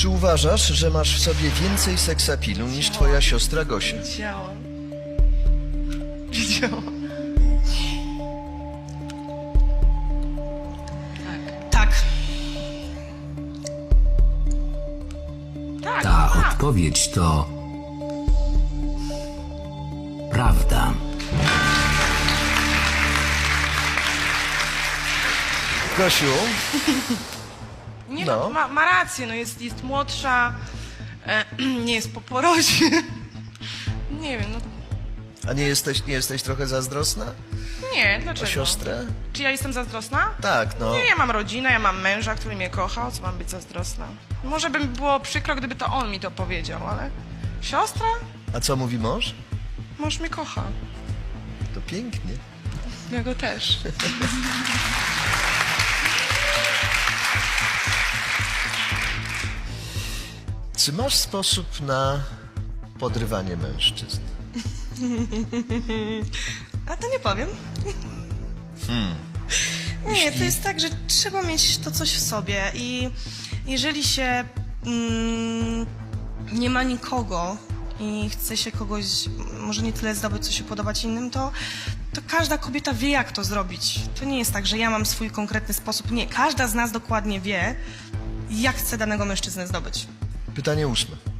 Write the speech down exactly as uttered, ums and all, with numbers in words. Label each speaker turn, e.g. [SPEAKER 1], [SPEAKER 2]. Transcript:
[SPEAKER 1] Czy uważasz, że masz w sobie więcej seksapilu niż twoja siostra Gosia?
[SPEAKER 2] Wiedziałam. Wiedziałam. Tak. Tak.
[SPEAKER 3] Ta
[SPEAKER 2] tak.
[SPEAKER 3] odpowiedź to... prawda.
[SPEAKER 1] Gosiu,
[SPEAKER 2] Nie
[SPEAKER 1] No.
[SPEAKER 2] no, ma, ma rację, no jest, jest młodsza, e, nie jest po porodzie. Nie wiem, no
[SPEAKER 1] a nie jesteś, nie jesteś trochę zazdrosna
[SPEAKER 2] nie,
[SPEAKER 1] o
[SPEAKER 2] dlaczego?
[SPEAKER 1] siostrę?
[SPEAKER 2] Czy ja jestem zazdrosna?
[SPEAKER 1] Tak, no.
[SPEAKER 2] Nie, ja mam rodzinę, ja mam męża, który mnie kocha, o co mam być zazdrosna? Może by mi było przykro, gdyby to on mi to powiedział, ale siostra?
[SPEAKER 1] A co mówi mąż?
[SPEAKER 2] Mąż mnie kocha.
[SPEAKER 1] To pięknie.
[SPEAKER 2] Ja go też.
[SPEAKER 1] Czy masz sposób na podrywanie mężczyzn?
[SPEAKER 4] A to nie powiem. Nie, to jest tak, że trzeba mieć to coś w sobie i jeżeli się mm, nie ma nikogo i chce się kogoś, może nie tyle zdobyć, co się podobać innym, to, to każda kobieta wie, jak to zrobić. To nie jest tak, że ja mam swój konkretny sposób. Nie, każda z nas dokładnie wie, jak chce danego mężczyznę zdobyć.
[SPEAKER 1] Pytanie ósme.